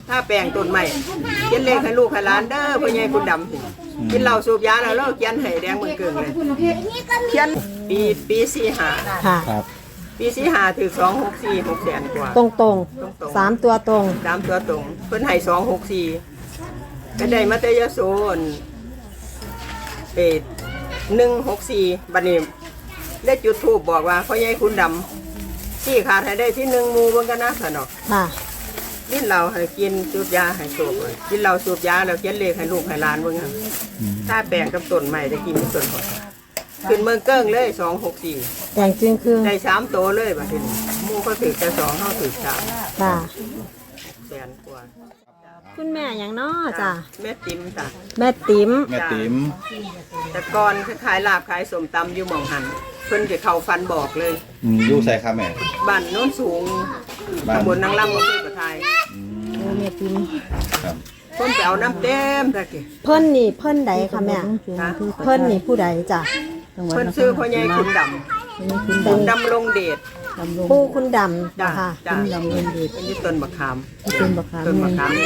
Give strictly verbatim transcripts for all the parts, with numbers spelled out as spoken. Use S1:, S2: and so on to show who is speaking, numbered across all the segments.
S1: ถ้าแปลงต้นใหม่เขียนเลขให้ลูกให้หลานเด้อพ่อใหญ่คุณดำกินเหล้าสูบยาแล้วเราเขียนให้แดงเหมือนเกิงเลยเขียนปีปีสี่ห้า
S2: ค่ะ
S3: ครับ
S1: ปีสี่ห้าถือสองหกสี่หกแสนกว่า
S2: ตรงตรงสามตัวตรง
S1: สามตัวตรงเพิ่นให้สองหกสี่ก็ได้มาเตยโซนเอ็ดหนึ่งหกสี่บัดนี้เลขจุดทูบบอกว่าพ่อใหญ่คุณดำที่ขาดให้ได้ที่หนึ่งมูเบิ่งกันนะสนอก
S2: ค่ะ
S1: ลิ้นเราให้กินสูบยาให้สูบกินเราสูบยาแล้วเขียนเลขให้ลูกให้หลานเบิ่งครับถ้าแปลงกับต้นใหม่ได้กินที่ต้นหอดขึ้นเมืองเกิ้งเลยสองหกสี่
S2: แต่งจริงคือ
S1: ได้สามโตเลยบัดนี้หมูเขาถือแต่สองเขาถือสาม
S2: ค่ะ
S1: แสนกว่า
S2: คุณแม่อย่างน้อจ้ะ
S1: แม่ติ๋มจ้ะ
S2: แม่ติ๋ม
S3: แม่ติ๋ม
S1: แต่ก่อนขายลาบขายสมตำอยู่หม่องหันเพิ่นจะเข้าฟันบอกเลย
S3: อืมอยู่ใส่ครับแม่
S1: บ้านโน้นสูง
S3: บ้าน
S1: ตำบลนางลำอำเภอกระทาย
S2: โอ้แม่ติ๋ม
S3: ครับ
S1: เพิ่นไปเอาน้ำเต็มตะกี้
S2: เพิ่นนี่เพิ่นใดคะแม่
S1: ฮะ
S2: เพิ่นนี่ผู้ใดจ้ะ
S1: เพิ่นซื้อพ่อใหญ่คุณดำคุณดำลงเดช
S2: ผู้คุณดำ
S1: จ้า
S2: ค่ะ
S1: จ้าดำลงเดชเป็นที่ต้นมะขาม
S2: ต้นบักขาม
S1: ต้นมะขามเนี่ย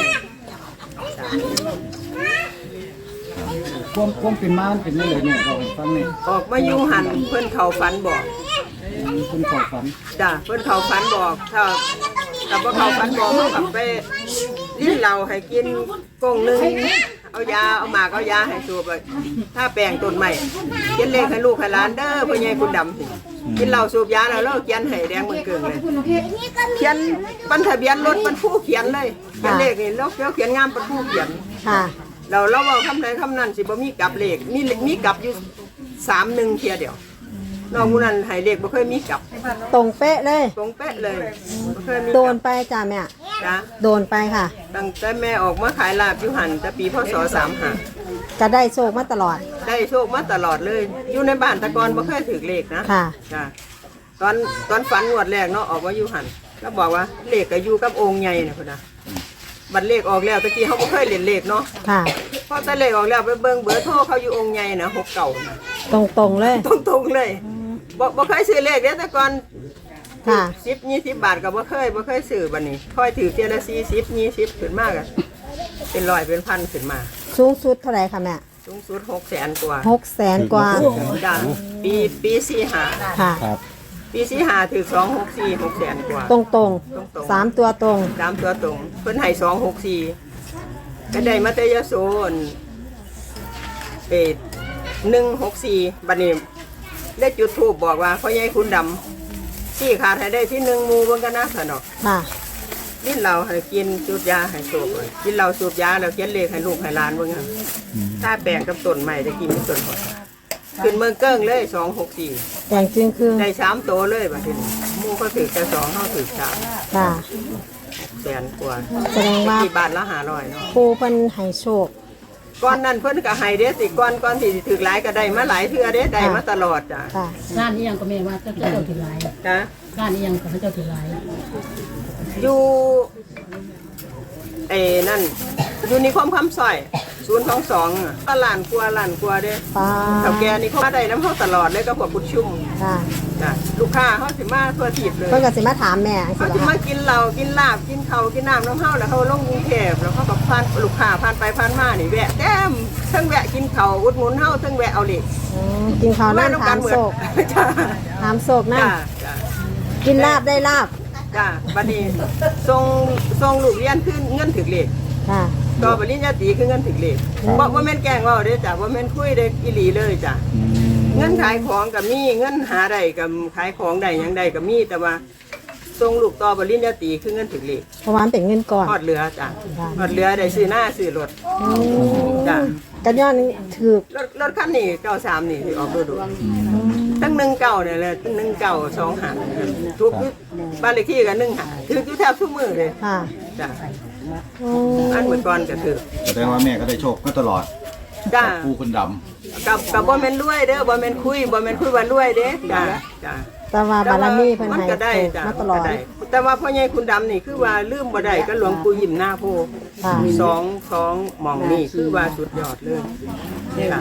S4: ความความเป็นม้านเป็นนี่เลยเนี่ยเราให้ฟังเนี่ย
S1: ออกมาอยู่หันเพิ่นเข้าฝันบอก
S4: คุณขอฝัน
S1: จ้าเพิ่นเข้าฝันบอกถ้าถ้าบ่เข้าฝันบอกเขากลับไปลิ้นเราให้กินกงหนึงเอายาเอาหมากเอายาให้สูบเลยถ้าแปลงต้นใหม่เขียนเลขให้ลูกให้หลานเด้อพ่อใหญ่คุณดำสิกินเหล้าสูบยาแล้วเราเขียนให้แดงเหมือนเกิงเลยเขียนบันทะเบียนรถบรรทุกเขียนเลยเขียนเลขนี่แล้วเขียนงามบรรทุกเขียน
S2: ค่ะ
S1: เราเราเอาคำใดคำนั้นสิบ่มีกลับเลขมีมีกลับอยู่สามหนึ่งเทียเดียวนอกมูนั้นให้เลขบ่เคยมีกลับ
S2: ตรงเป๊ะเลย
S1: ตรงเป๊ะเลยบ่เคยมีก
S2: โด
S1: ลั
S2: น
S1: บ
S2: ไปจ้ะแม่
S1: จ้ะ
S2: โดนไปค่ะ
S1: ตั้งแต่แม่ออกมาขายลาบอยู่หันแต่ปีพศสามห้า
S2: จะได้โชคมาตลอด
S1: ได้โชคมาตลอดเลย อยู่ในบ้านแตะกอนบ่เคยถือเลขนะ
S2: ค่ะ
S1: จ้ะตอนตอนฝันงวดแรกเนาะออกมาอยู่หันก็บอกว่าเลขก็อยู่กับองค์ใหญ่น่ะพุ่นน่ะบัตรเลขออกแล้วตะกี้เขาบ่เคยเล่นเลขเนาะ
S2: ค่ะ
S1: พอแต่เลขออกแล้วไปเบิ่งเบอร์โทรเขาอยู่องค์ใหญ่น่ะหกเก้าน่ะ
S2: ตรงตรงๆเลย
S1: ตรงๆเลยบ่บ่เคยซื้อเลขเด้แต่ก่อน
S2: ค่ะ
S1: สิบ ยี่สิบบาทก็บ่เคยบ่เคยซื้อบัดนี้ค่อยถือเทียละสี่สิบ ยี่สิบขึ้นมากอะเป็นร้อยเป็นพันขึ้นมา
S2: สูงสุดเท่าไหร่คะแม่
S1: สูงสุดหกแสนกว่า
S2: หกแสนกว่า
S1: จ้ะปีปีสี่ห้า
S2: ค่ะ
S3: ครับ
S1: ปีสี่ห้าถือสองหกสี่หกแสนกว่า
S2: ตรงตรง
S1: ตรงๆ
S2: สามตัวตรง
S1: ตามตัวตรงเพิ่นให้สองหกสี่ก็ได้มาเตยโซนเอ็ดหนึ่งหกสี่บัดนี้เลขจุดทูบบอกว่าพ่อใหญ่คุณดำที่ขาดให้ได้ที่หนึ่งมูเบิ่งกันนะสนอก
S2: ค่ะ
S1: ลิ้นเราให้กินสูบยาให้สูบกินเราสูบยาแล้วเขียนเลขให้ลูกให้หลานเบิ่งครับถ้าแปลงกับต้นใหม่ได้กินที่ต้นหอดขึ้นเมืองเกิ้งเลยสองหกสี่
S2: แต่งจริงคือ
S1: ได้สามโตเลยบัดนี้หมูเขาถือแต่สองเขาถือสาม
S2: ค่ะ
S1: แสนกว่า
S2: แสดงว่า
S1: ที่บาทละห้าร้อยเนาะ
S2: ปูเพิ่นให้โชค
S1: ก้อนนั้นเพิ่นก็ให้เด้สิก้อนก้อนที่สิถือหลายก็ได้มาหลายเทื่อเด้ได้มาตลอดจ้ะ
S2: ค่ะ
S5: ร้านนี้ยังก็แม่ว่าเจ้าเจ้าถือหลาย
S1: จ้ะ
S5: ร้านนี้ยังก็เจ้าถือหลาย
S1: อยู่เอ้นั่นอยู่นิคมคำซอยศูนย์สองสองก็ล้านกว่าล้านกว่าเด้
S2: ป้า
S1: เฒ่าแก่นี่เขามาได้น้ำเขาตลอดเลยก็พวกกุดชุ่ม
S2: ค่ะ
S1: จ้ะลูกค้าเขาสิมาทั่วทิศเลย
S2: เพิ่นก็สิมาถามแม่สิ
S1: เขา
S2: บ่
S1: สิ
S2: คะ
S1: มากินเหล้ากินลาบกินข้าวกินน้ำน้ำเฮาแล้วเขาลงกรุงเทพแล้วเขาก็ผ่านลูกค้าผ่านไปผ่านมานี่แวะแต้มเทั้งแวะกินข้าวอุดหนุนเฮาเทั้งแวะเอาเหล็ก
S2: อืมกินข้าวนั่นถามโศก
S1: จ้า
S2: ถามโศกนั่น
S1: จ้าจ้า
S2: กินลาบได้ลาบ
S1: จ้าบัดนี้ส่งส่งลูกเรียนขึ้นเงินถึกเลข
S2: ค่ะ
S1: ต่อปริญญาตรีคือเงินถึกเลขบ่บ่แม่นแกล้งเว้าเด้อจ้ะบ่แม่นคุยเด้ออีหลีเลยจ้ะ
S3: อืม
S1: เงินขายของก็มีเงินหาได้ก็ขายของได้หยังได้ก็มีแต่ว่าส่งลูกต่อปริญญาตรีคือเงินถึกเลข
S2: เพราะว่ามันเป็นเงินก่อน
S1: ทอดเรือจ้ะทอดเรือได้ซื้อหน้าซื้อรถจ้ะ
S2: กันย้อนนี่ถือ
S1: รถรถคันนี้เก้าสามนี่ที่ออกดูดูตั้งหนึ่งเก้าเนี่ยแหละตั้งหนึ่งเก้าสองหันทุกบ้านเลขที่กันหนึ่งหันถืออยู่แทบทุกมือเลย
S2: ค่ะ
S1: จ้ะ
S2: อืม
S1: อันเหมือนก่อนก็ถือ
S3: แสดงว่าแม่ก็ได้โชคก็ตลอด
S1: จ้ะ
S3: ปูคุณด
S1: กับกับบ่แม่นรวยเด้อบ่แม่นคุยบ่แม่นคุยว่ารวยเด้จ้ะจ้ะ
S3: ำ
S2: แต่ว่าบารมีเพิ่น
S1: มัน
S2: ให้
S1: ก็ได้
S2: โชค
S1: จ้ะ
S2: มาตลอด
S1: ก็ได้แต่ว่าพ่อใหญ่คุณดำนี่คือว่าลืมบ่ได้ก็หลวงปู่ยิ้มหน้าโพ
S2: ค่ะ
S1: สองสองหม่องนี่คือว่าสุดยอดเลยค่ะ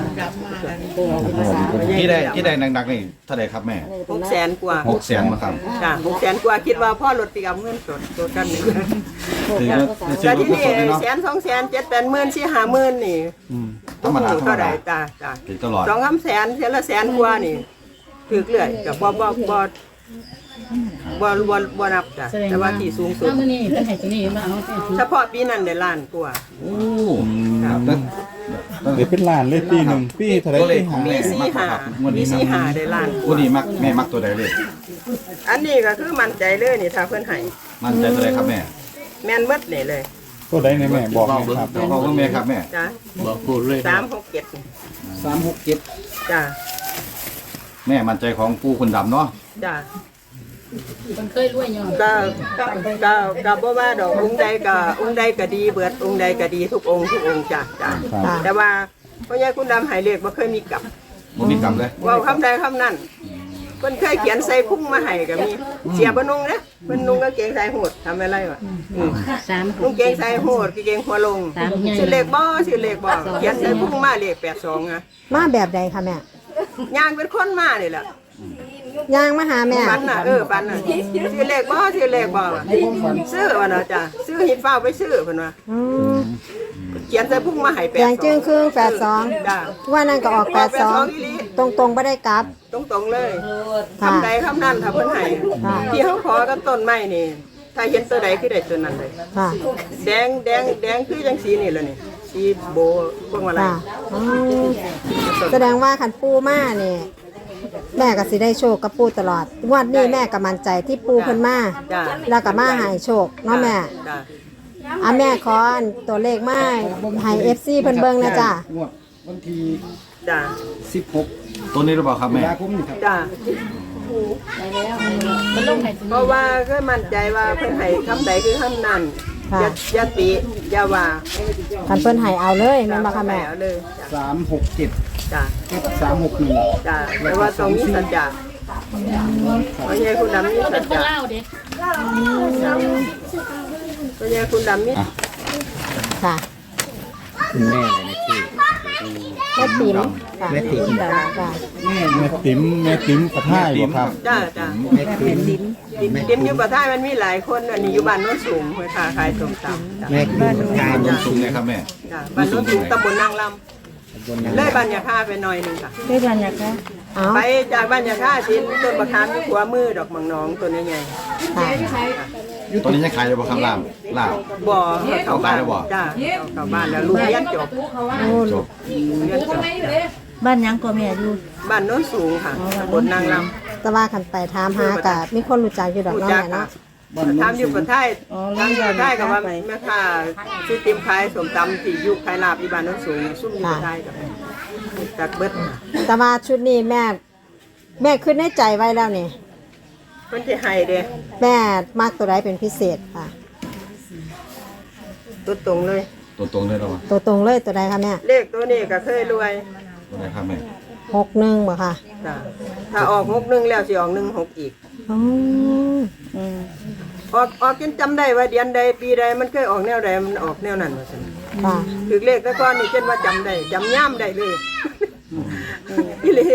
S3: ที่ได้ที่ได้หนักๆนี่เท่าไหร่ครับแม่
S1: หกแสนกว่า
S3: หกแสนมาครับ
S1: จ้ะหกแสนกว่าคิดว่าพ่อรถปีกับเงินสดตัวกันนี่
S3: ถือว่าถือ
S1: แต่
S3: ว่า
S1: ที่
S3: กุ
S1: นี่
S3: ศลเลยเนาะ
S1: แสนสองแสนเจ็ดแปดหมื่นสี่ห้าหมื่นนี่
S3: ธรรมดาธรรม
S1: เท่าไห
S3: ดา
S1: ร่จ้ะจ้ะ
S3: ถือตลอด
S1: สองคำแสนเท่าละแสนกว่านี่ถือเกลื่อยกับบ่บ่บ่บ่บ่บ่นับจ้ะ
S5: แสดง
S1: แต่ว่า
S5: ว่า
S1: ที่สูงสุด
S5: ถ้ามื้อนี้เพิ่นให้ตัวนี้มาเอาไปถือ
S1: เฉพาะปีนั้นได้ล้านกว่า
S3: โอ้ครับแล้วแล้ว
S6: เดี๋ยวเป็นล้านเลยปีหนึ่งปีเท่าไหร
S3: ตัวเล
S6: ปี
S3: ขของ
S6: หา
S3: แม่
S1: มีสี่หา
S3: วัน
S1: มี
S3: นี้
S1: สี่
S3: มั
S1: หาได้ล้านก
S3: วัน
S1: ว่า
S3: นี้มักแม่มักตัวใดเลย
S1: อันนี้ก็คือมั่นใจเลยนี่ถ้าเพิ่นให้
S3: มั่นใจตัวใดครับแม่
S1: แม่นเบิดนี่เลย
S6: ตัวใดในแม่บอกหน่อยครับ
S3: บอกว่าแม่ครับแม่
S1: จ้ะ
S7: บอกพูดเลย
S1: สามหกเจ็ด
S4: สามหกเจ็ด
S1: จ้ะ
S3: แม่มั่นใจของปู่คุณดำเนาะ
S1: จ้ะ
S5: เพิ่นเคยรวยย้อน
S1: ก็ก็ก็ก็บ่ว่าดอกองค์ใดก็องค์ใดก็ดีเบิดองค์ใดก็ดีทุกองค์ทุกองค์จ้ะจ้ะ
S6: ครับ
S1: แต่ว่าพ่อใหญ่คุณดำให้เลขบ่เคยมีกลับ
S3: บ่มีกรรมเลย
S1: เว้าคำใดคำนั้นเพิ่นเคยเขียนใส่พุ่งมาให้ก็มีเสียบ่นุ่งเด้เพิ่นนุ่งกางเกงสายโหดทำอะไรวะอืม
S5: สาม
S1: นุ่งเกงสายโหดกางเกงหัวลงชื่อเลขบ่ชื่อเลขบ่เขียนใส่พุ่งมาเลขแปดสองอ่ะ
S2: มาแบบใดคะแม่
S1: ย่างเป็นคนมานี่แหละ
S2: ย่างมาหาแม่
S1: ปันน่ะเออปันน่ะชื่อเลขบ่ชื่อเลขบ่วะซื้อว่าเนาะจ้ะซื้อหิดฟ้าไปซื้อเพิ่นว่า
S2: อืม
S1: เขียนใส่พุ่งมาให้แปด
S2: แดงจึงครึ่งแปดสอง
S1: จ้ะ
S2: ว่านั่นก็ออกแปดสองตรงตรงๆไม่ได้กลับ
S1: ตรงๆเลย
S2: ค่ะ
S1: คำใดคำนั้นถ้าเพิ่นให้
S2: ค่ะ
S1: ที่เขาขอกับต้นไม้นี่ ถ้าเห็นตัวใดคือได้ตัวนั้นเลย
S2: ค่ะ
S1: แดงแดงแดงคือจังสีนี่แหละนี่สีโบพวกอะไร
S2: ค่ะอืมแสดงว่าขันปูมาเนี่ยแม่ก็สิได้โชคกับปูตลอดงวดนี้แม่ก็มั่นใจที่ปูเพิ่นมา
S1: จ้า
S2: แล้วก็มาใหายโชคเนาะแม่
S1: จ้า
S2: อ่ะแม่ขออันตัวเลขมาให้ เอฟ ซี เพิ่นเบิ่งนะจ้ะ
S4: งวดวันที่
S1: จ้า
S4: สิบหก
S3: ตัวนี้หรือเปล่าครับ
S4: ตุ
S3: แม่
S4: ลาคมนี่ครับ
S1: จ้า
S5: มันลงให้ตัว
S1: เพ
S5: นี้
S1: ราะว่าก็มั่นใจว่าเพิ่นให้คำใดคือคำนั้น
S2: ค่ะ
S1: อย่าอย่าติอย่าว่า
S2: คันเพิ่นให้เอาเลยแม่นบ่คะแม่
S1: เอาเลย
S4: สามหกเจ็ด
S1: จ้า
S4: สามหกหนึ่ง
S1: จ้าแต่ว่าตรงนี้สัจจะเพราะยังคุณดำนี่
S5: เป็
S1: สั
S5: น
S1: จ
S5: คน
S1: จะ
S5: ลาวเด้
S1: เพราะยังคุณดำนี่
S2: ค่ะ
S7: คุณแม่เลยนะพี่
S2: แม่ติ๋มค่ะ
S7: แม่ติ๋ม
S2: จ้ะจ้ะ
S4: แม่
S6: แม่ติ๋มแม่ติ๋มกระท่ายบ่ครับ
S1: จ้าจ้า
S7: แม่ติ๋ม
S1: ติมติมอยู่กับท่ายมันมีหลายคนอันนี้อยู่บ้านโน้นสูงเพื่อค้าขายส้มตำจ้า
S7: แม่ติ๋มกาย
S3: ลงสูงเลยครับแม่
S1: จ้าบ้านโน้นสูงตำบลนางล
S7: บนนั้
S1: ำ
S7: น
S1: เลยบ้านยาค่าไปหน่อยหนึงค่ะ
S2: ได้บันยากะเอา
S1: ไปจากบ้านยาค่าชิ้นต้นมะขามที่หัวมือดอกมังนองตัวนี้ใหญ่
S2: ค่ะ
S3: ตัวนี้ยังขายอยู่บ่ครับลาบลาบ
S1: บ่อเข้าบ้าน
S3: เอาไปแล้วบ่
S1: จ้าเอาเข้าบ้านแล้วลูกเรียนจบ
S2: โอ้
S3: จ
S2: ลู
S3: บ
S2: ก
S1: เรียนจบ
S2: บ้านยังก็แม่อยู่
S1: บ้านโน้นสูงค่ะตำบลนางล
S2: แต่ว่าคันไปถามหากะมีคนรู้จักอยู่ด
S1: ำ
S2: อก
S1: ผู้
S2: เนาะ
S1: จัก
S2: แม่เนาะ
S1: ทำอยู่ประเทศทำอยู่ประเทศกับว่าแม่ค้าซื้อติมขายส้มตำที่อยู่ขายลาบอีบ้านโน้นสูงซุ่มอยู่ประเทศกับจากเบิด
S2: แต่ว่าชุดนี้แม่ แม่ขึ้นในใจไว้แล้วนี่
S1: เพิ่นสิให้เด้
S2: แม่มากตัวใดเป็นพิเศษค่ะ
S1: ตัวตรงเลย
S3: ตัวตรงเลยเหรอวะ
S2: ตัวตรงเลยตัวใดคะแม่
S1: เลขตัวนี้ก็เคยรวย
S3: ตัวไหนครับแม่
S2: หกหนึ่งบ่ค่ะ
S1: จ้ะถ้าออกหกหนึ่งแล้วสิออกหนึ่งหกอีก
S2: อ๋ออืม
S1: ออกออกจนจำได้ว่าเดือนใดปีใดมันเคยออกแนวใดมันออกแนวนั้นว่าซั่น
S2: ค่ะ
S1: ถึงเลขแต่ก่อนนี่เช่นว่าจำได้จำย่ำได้เลยอีหลี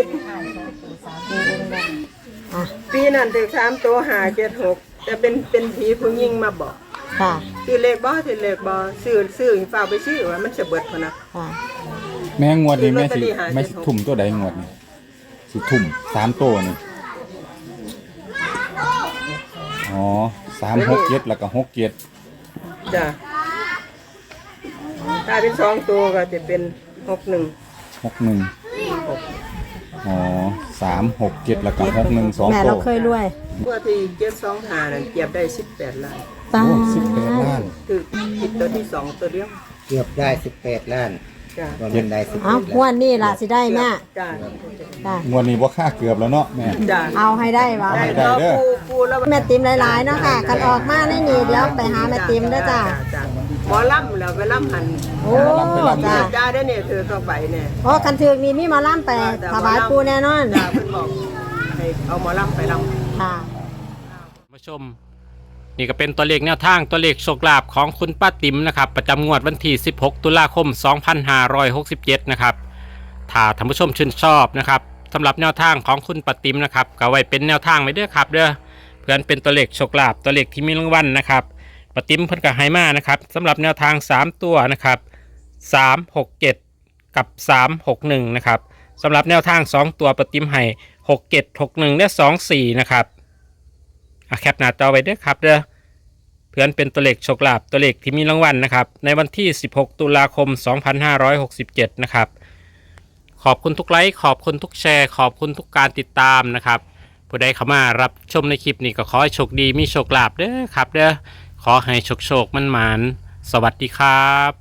S2: อ่ะ
S1: ปีนั้นถึงสามตัวหาเจ็ดหกแต่เป็นเป็นผีผู้หญิงมาบอก
S2: ค่ะ
S1: ซื้อเลขบ่ซื้อเลขบ่ซื้อซื้อฝากไปซื้อว่ามันจะเบิดพะนะ
S2: ค่ะ
S6: แม่งวดนี้แม่สิ
S1: ลอตเตอรี่หา
S6: แม่สิทุ่มตัวใดงวดนี้สิทุ่มสามตัวนี่อ๋อสามหกเจ็ดแล้วก็หกเจ็ด
S1: จ้ะถ้าเป็นสองตัวก็จะเป็นหกหนึ่ง
S6: หกหนึ่งอ๋อสามหกเจ็ดแล้วก็หกหนึ่งสอง
S2: แม่
S6: ตั
S2: เรา
S6: ว
S2: เคยรวย
S1: เมื่อที่เจ็ดสองหานั่นเก็บได้สิบแปดล้าน
S2: ตา
S6: โอ้สิบแปดล้าน
S1: คือผิดตัวที่สองตัวเดียว
S7: เกือบได้สิบแปดล้าน
S1: จ้ะ
S7: ตอนนั้นได้สิบ
S2: เอางวดนี้ล่ะสิได้แม่
S1: จ้ะ
S2: จ้ะ
S6: งวดนี้ว่าค่าเกือบแล้วเนาะแม่
S1: จ้ะ
S2: เอาให้ได้วะ
S6: เอาให้
S1: ได้
S6: เด้อ
S1: ปูปูแล้ว
S2: แม่ติมหลายๆเนาะค่ะ กันออกมาในนี่เดี๋ยวไปหาแม่ติมเด้อจ้ะ
S1: จ้ะหมอลำแล้วไปลำหัน
S2: โอ้จ้ะ
S1: จ้าได้เนี่ยเธอต้องไปเนี่ย
S2: โอ้คันถึกนี่มีหมาล่ำไปถวายปูแน่นอน
S1: จ้าเพิ่นบอกให้เอาหมอลำไปลำ
S2: ค่ะ
S8: ผู้ชมนี่ก็เป็นตัวเลขแนวทางตัวเลขโชคลาภของคุณป้าติ๋มนะครับประจำงวดวันที่สิบหกตุลาคมสองพันห้าร้อยหกสิบเจ็ดนะครับถ้าท่านผู้ชมชื่นชอบนะครับสำหรับแนวทางของคุณป้าติ๋มนะครับก็ไว้เป็นแนวทางไว้เด้อครับเด้อเพื่อนเป็นตัวเลขโชคลาภตัวเลขที่มีรางวัลนะครับป้าติ๋มเพิ่นก็ให้มานะครับสำหรับแนวทางสามตัวนะครับสามหกเจ็ดกับสามหกหนึ่งนะครับสำหรับแนวทางสองตัวป้าติ๋มให้หกเจ็ดหกหนึ่งและสองสี่นะครับแคปหน้าจอไว้เด้อครับเด้อเพื่อนเป็นตัวเลขโชคลาภตัวเลขที่มีรางวัลนะครับในวันที่สิบหกตุลาคมสองพันห้าร้อยหกสิบเจ็ดนะครับขอบคุณทุกไลค์ขอบคุณทุกแชร์ขอบคุณทุกการติดตามนะครับผู้ใดเข้ามารับชมในคลิปนี้ก็ขอให้โชคดีมีโชคลาภเด้อครับเด้อขอให้โชคโชคมันหมานสวัสดีครับ